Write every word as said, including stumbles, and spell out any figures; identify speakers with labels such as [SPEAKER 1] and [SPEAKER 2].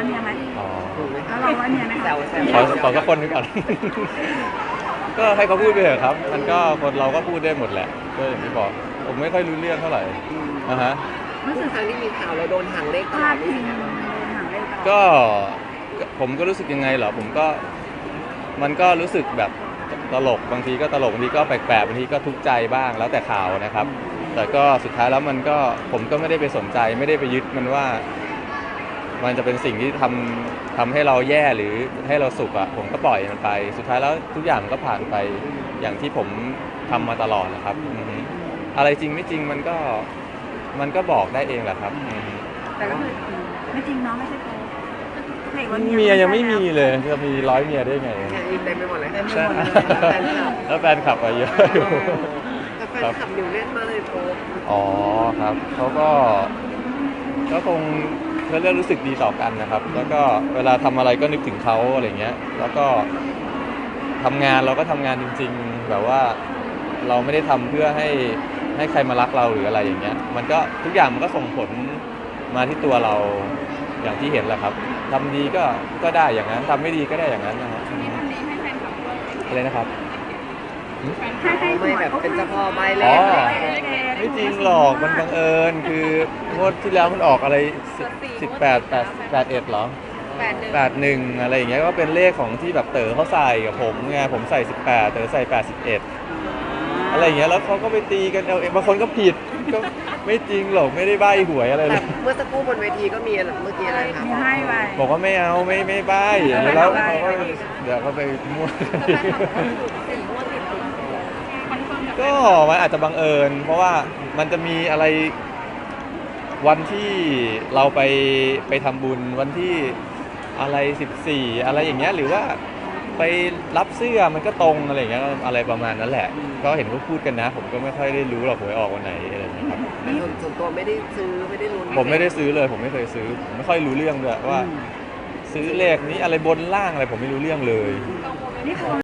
[SPEAKER 1] เนียไหม
[SPEAKER 2] อ๋อ
[SPEAKER 3] ถูกไหม
[SPEAKER 1] แล้ว
[SPEAKER 3] คะ
[SPEAKER 1] เราว่าเนียไหม
[SPEAKER 3] แซวแซว
[SPEAKER 2] ขอขอสักคนหนึงก่อน ก็ให้เขาพูดไปเถอะครับ มันก็คนเราก็พูดได้หมดแหละก็อย่างที่บอกผมไม่ค่อยรู้เรื่องเท่าไหร่นะฮะ
[SPEAKER 3] ทุกครั้งที่มีข่าวเราโดนหางเลขต
[SPEAKER 1] พ
[SPEAKER 3] ล
[SPEAKER 1] ลา
[SPEAKER 3] อ
[SPEAKER 1] ด
[SPEAKER 3] ด
[SPEAKER 1] พิ
[SPEAKER 3] นี่
[SPEAKER 1] ง
[SPEAKER 3] ใช่ไหม
[SPEAKER 1] โดนหางเลขตลอด
[SPEAKER 2] ก็ก็ผมก็รู้สึกยังไงเหรอผมก็มันก็รู้สึกแบบตลกบางทีก็ตลกบางทีก็แปลกๆบางทีก็ทุกข์ใจบ้างแล้วแต่ข่าวนะครับ แต่ก็สุดท้ายแล้วมันก็ผมก็ไม่ได้ไปสนใจไม่ได้ไปยึดมันว่า มันจะเป็นสิ่งที่ทำทำให้เราแย่หรือให้เราสุขอะผมก็ปล่อยมันไป สุดท้ายแล้วทุกอย่างมันก็ผ่านไปอย่างที่ผมทำมาตลอดนะครับอือฮึอะไรจริงไม่จริงมันก็มันก็บอกได้เองแหละครับอือฮึ
[SPEAKER 1] แต่ก็คือไม่จริงเนาะไม่ใช่โป๊เด็กว่า
[SPEAKER 2] เมียยังไม่มีเลยจะมีร้อยเมียได้ไง
[SPEAKER 3] งานอินเต็มไปหมดเลย
[SPEAKER 2] ใช่
[SPEAKER 3] แฟนคลับ
[SPEAKER 2] แล้วแฟนคลับอะเยอะอยู่
[SPEAKER 3] แต่แฟนคลับอยู่เล่นมากเลยโป๊ป
[SPEAKER 2] อ๋อครับเขาก็ก็คงเขาเรื่องรู้สึกดีต่อกันนะครับ แล้วก็เวลาทำอะไรก็นึกถึงเขาอะไรเงี้ย แล้วก็ทำงานเราก็ทำงานจริงๆ แบบว่าเราไม่ได้ทำเพื่อให้ให้ใครมารักเราหรืออะไรอย่างเงี้ย มันก็ทุกอย่างมันก็ส่งผลมาที่ตัวเราอย่างที่เห็นแหละครับทำดีก็ก็ได้อย่างนั้นทำไม่ดีก็ได้อย่างนั้นนะฮะ
[SPEAKER 1] นี่ทำดีให้แฟนคลับด้วย
[SPEAKER 2] อะไรนะครับ
[SPEAKER 1] ให้ให้ห
[SPEAKER 3] ไม่
[SPEAKER 1] วย
[SPEAKER 3] แบบเป็นเจ้าพ่อใบเล
[SPEAKER 2] อ๋
[SPEAKER 3] ข
[SPEAKER 2] อ ไม่จริงหรอกมันบังเอิญคืองวดที่แล้วมันออกอะไรสิบแปดแปดแปดเอ็ดเหรอ
[SPEAKER 1] แปดหนึ่ง
[SPEAKER 2] แปดหนึ่งอะไรอย่างเงี้ยก็เป็นเลขของที่แบบเต๋อเขาใส่กับผมไงผมใส่สิบแปดเต๋อใส่แปดสิบเอ็ดอะไรอย่างเงี้ยแล้วเขาก็ไปตีกันเอาเองบางคนก็ผิดก็ไม่จริงหรอกไม่ได้ใบ้หวยอะไรเล
[SPEAKER 3] แต่
[SPEAKER 2] ย
[SPEAKER 3] เมื่อสักครู่บนเวทีก็มีเมื่อกี้อะไรคะ
[SPEAKER 1] มีให้ไป
[SPEAKER 2] บอกว่าไม่เอาไม่ไม่ใบ้แล้วเขาก็เดี๋ยวก็ไปมั่วก็มันอาจจะบังเอิญ เพราะว่ามันจะมีอะไรวันที่เราไปไปทำบุญวันที่อะไรสิบสี่อะไรอย่างเงี้ยหรือว่าไปรับเสื้อมันก็ตรงอะไรอย่างเงี้ยอะไรประมาณนั้นแหละก็เห็นเขาพูดกันนะ ผมก็ไม่ค่อยได้รู้หรอกหวยออกวันไหนอะไรอย่างเงี้ยครับ
[SPEAKER 3] แต่ส่วนส่วนตัวไม่ได้ซื้อไม่ได้ลุ้น
[SPEAKER 2] ผมไม่ได้ซื้อเลยผมไม่เคยซื้อผมไม่ค่อยรู้เรื่องด้วยว่า ซื้อเลขนี้อะไรบนล่างอะไรผมไม่รู้เรื่องเลย
[SPEAKER 1] นี่กลัว